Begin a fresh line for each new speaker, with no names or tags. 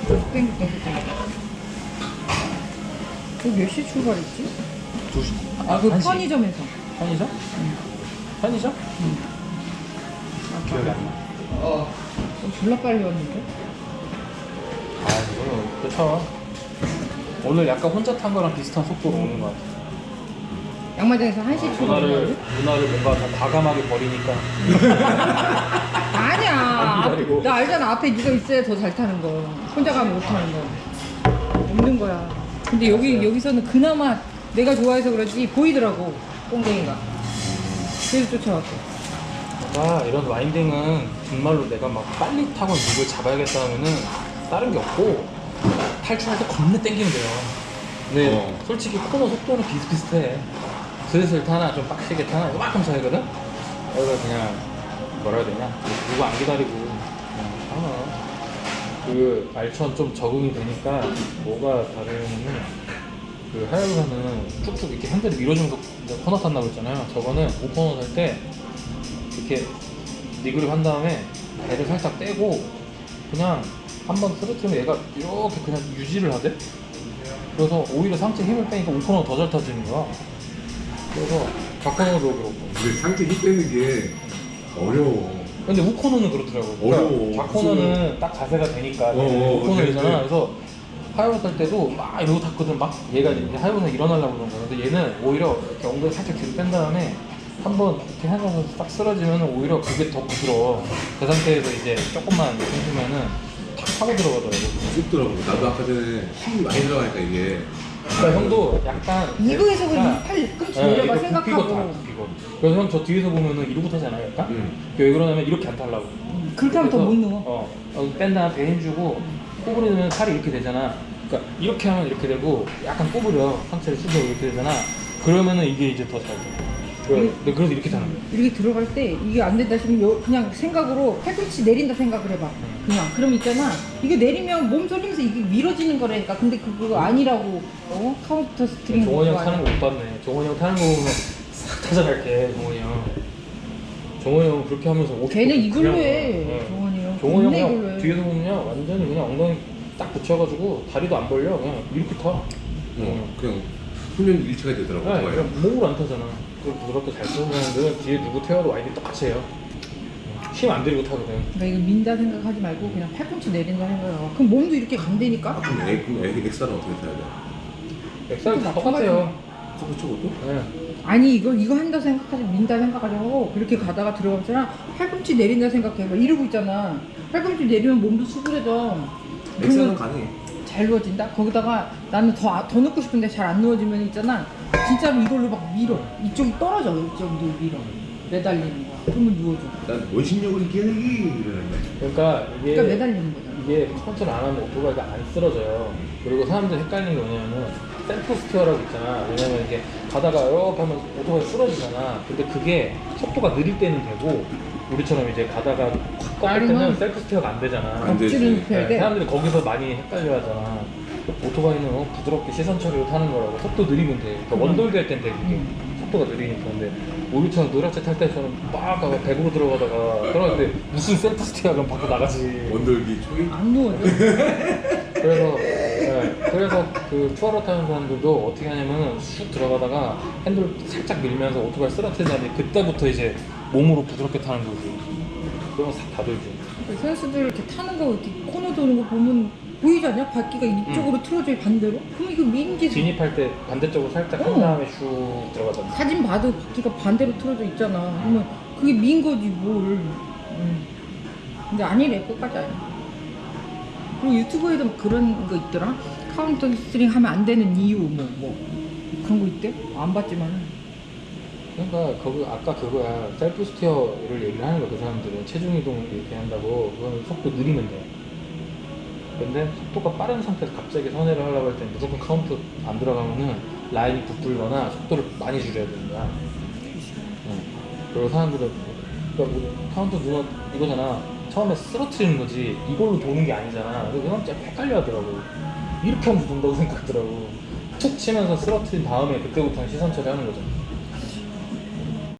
땡겨. 몇 시에 출발했지?
2시.
아, 그
1시.
편의점에서.
편의점? 편의점? 기억이 안 나.
졸라 빨리 왔는데?
아, 이거 그쵸. 오늘 약간 혼자 탄 거랑 비슷한 속도로 오는 것 같아.
양마장에서 1시 출발했는데?
누나를 뭔가 다 과감하게 버리니까.
아니야.
안 기다리고.
나 알잖아. 앞에 네가 있어야 더 잘 타는 거. 혼자 가면 못 타는 거. 없는 거야. 근데 여기서는 그나마 내가 좋아해서 그런지 보이더라고. 꽁댕이가. 그래서 쫓아왔어.
아, 이런 와인딩은 정말로 내가 막 빨리 타고 누굴 잡아야겠다 하면은 다른 게 없고 탈출할 때 겁나 땡기면 돼요. 근데 솔직히 코너 속도는 비슷비슷해. 슬슬 타나 좀 빡세게 타나 이만큼 차이거든? 그래서 그냥 뭐라 해야 되냐, 누구 안 기다리고 그냥 타나. 그 알천 좀 적응이 되니까 뭐가 다르냐면, 그 하야부사는 쭉쭉 이렇게 핸들을 밀어주면서 코너 탄다고 했잖아요. 저거는 오코너 탈 때 이렇게 니그립 한 다음에 배를 살짝 떼고 그냥 한번 쓰러뜨리면 얘가 이렇게 그냥 유지를 하대? 그래서 오히려 상체 힘을 빼니까 우코너가 더 잘 타지는 거야. 그래서 좌코너도 그렇고.
근데 상체 힘 빼는 게 어려워.
근데 우코너는 그렇더라고.
어려워.
좌코너는 딱 자세가 되니까 우코너이잖아. 그래서 하이버스 탈 때도 막 이러고 탔거든. 막 얘가 이제 하이버스는 일어나려고 그런 거야. 근데 얘는 오히려 이렇게 엉덩이 살짝 뒤로 뺀 다음에 한번 이렇게 해서 딱 쓰러지면 오히려 그게 더 부드러워. 그 상태에서 이제 조금만 힘주면은 탁 파고 들어가더라고.
쑥더라고. 나도 아까 전에 힘이 많이 들어가니까 이게.
그러니까 형도 약간
이거에서 그냥
약간,
팔 끝이
예,
내려가
이거
생각하고.
굽히고. 그래서 형 저 뒤에서 보면은 이러고 타잖아요, 약간. 왜 그러냐면 이렇게 안 타려고.
그렇게 하면 더 못 누워.
뺀 다음에 배 힘주고 꼬부리면 팔이 이렇게 되잖아. 그러니까 이렇게 하면 이렇게 되고 약간 꼬부려, 상체를 숙여 이렇게 되잖아. 그러면은 이게 이제 더 잘 돼. 그래서 이렇게 타는 거야.
이렇게 들어갈 때 이게 안 된다 싶으면 그냥 생각으로 팔꿈치 내린다 생각을 해봐. 그냥 그럼 있잖아, 이게 내리면 몸 돌리면서 이게 밀어지는 거라니까. 근데 그거 아니라고. 카운터 스트링
종원이 형
그거
타는 거 못 봤네. 종원이 형 타는 거 보면 싹 타져갈게. 종원이 형. 종원이 형 그렇게 하면서 50.
걔는 이걸로
그냥,
해. 종원이 형.
종원이
존나
형
이걸로
그냥
해.
뒤에서 보면요 완전히 그냥 엉덩이 딱 붙여가지고 다리도 안 벌려. 그냥 이렇게 타.
그냥 훈련 일체가 되더라고.
네, 그냥 몸으로 안 타잖아. 부드럽게 잘 쓰는데 뒤에 누구 태워도 와인이 똑같이 해요. 힘 안 들이고 타거든.
그러니까 이거 민다 생각하지 말고 그냥 팔꿈치 내린다 생각하고. 그럼 몸도 이렇게 간다니까.
그럼 엑사는 어떻게 타야 돼?
엑셀 다 똑같아요.
그렇죠, 그것도?
네.
아니 이거 한다 생각하지, 민다 생각하지 하고 그렇게 가다가 들어가잖아. 팔꿈치 내린다 생각해봐. 이러고 있잖아. 팔꿈치 내리면 몸도 수그려져.
엑사는
그러면
가능해.
잘 누워진다? 거기다가 나는 더 넣고 싶은데 잘 안 누워지면 있잖아, 진짜로 이걸로 막 밀어. 이쪽이 떨어져. 이쪽도 밀어. 매달리는 거야. 그러면 누워져.
난 원심력을 이겨내기 이러는데.
그러니까 이게
그러니까 매달리는 거잖아.
이게 컨트롤 안 하면 오토바이가 안 쓰러져요. 그리고 사람들 헷갈리는 게 뭐냐면은 셀프 스티어라고 있잖아. 왜냐면 이게 가다가 이렇게 하면 오토바이 쓰러지잖아. 근데 그게 속도가 느릴 때는 되고 우리처럼 이제 가다가 확 꺾을 때는 셀프 스티어가 안 되잖아.
안 되지.
억지로 눕혀야 돼.
사람들이 거기서 많이 헷갈려 하잖아. 오토바이는 부드럽게 시선 처리로 타는 거라고. 속도 느리면 돼. 그러니까 원돌기 할 땐 돼, 그게. 속도가 느리니까. 근데 우리처럼 노랗게 탈 때처럼 막 가고 100으로 들어가다가 그럴 때 무슨 셀프 스티어 그럼 밖으로 나가지.
원돌기 초이?
안 누워져.
그래서 그 투어로 타는 사람들도 어떻게 하냐면은 쑥 들어가다가 핸들 살짝 밀면서 오토바이 쓰러뜨린 다음에 그때부터 이제 몸으로 부드럽게 타는 거지. 그러면 싹 다 돌지.
선수들 이렇게 타는 거, 이렇게 코너 도는 거 보면 보이지 않냐? 바퀴가 이쪽으로 틀어져 반대로? 그럼 이거 민지.
진입할 때 반대쪽으로 살짝 한 다음에 슉 들어가잖아.
사진 봐도 바퀴가 반대로 틀어져 있잖아. 그러면 그게 민 거지 뭘. 근데 아니래, 끝까지 아니야. 그리고 유튜브에도 막 그런 거 있더라. 카운터 스트링 하면 안 되는 이유 뭐 그런 거 있대? 안 봤지만.
그러니까 거기 아까 그거야. 셀프 스티어를 얘기를 하는 거야. 그 사람들은 체중 이동 이렇게 한다고. 그건 속도 느리면 돼. 근데 속도가 빠른 상태에서 갑자기 선회를 하려고 할 때 무조건 카운트 안 들어가면은 라인이 부풀거나 속도를 많이 줄여야 되는 거야. 그리고 사람들은 그러니까 뭐 카운트 누가 이거잖아. 처음에 쓰러트리는 거지 이걸로 도는 게 아니잖아. 그래서 그냥 좀 헷갈려 하더라고. 이렇게 하면 돈다고 생각하더라고. 툭 치면서 쓰러트린 다음에 그때부터는 시선 처리하는 거잖아.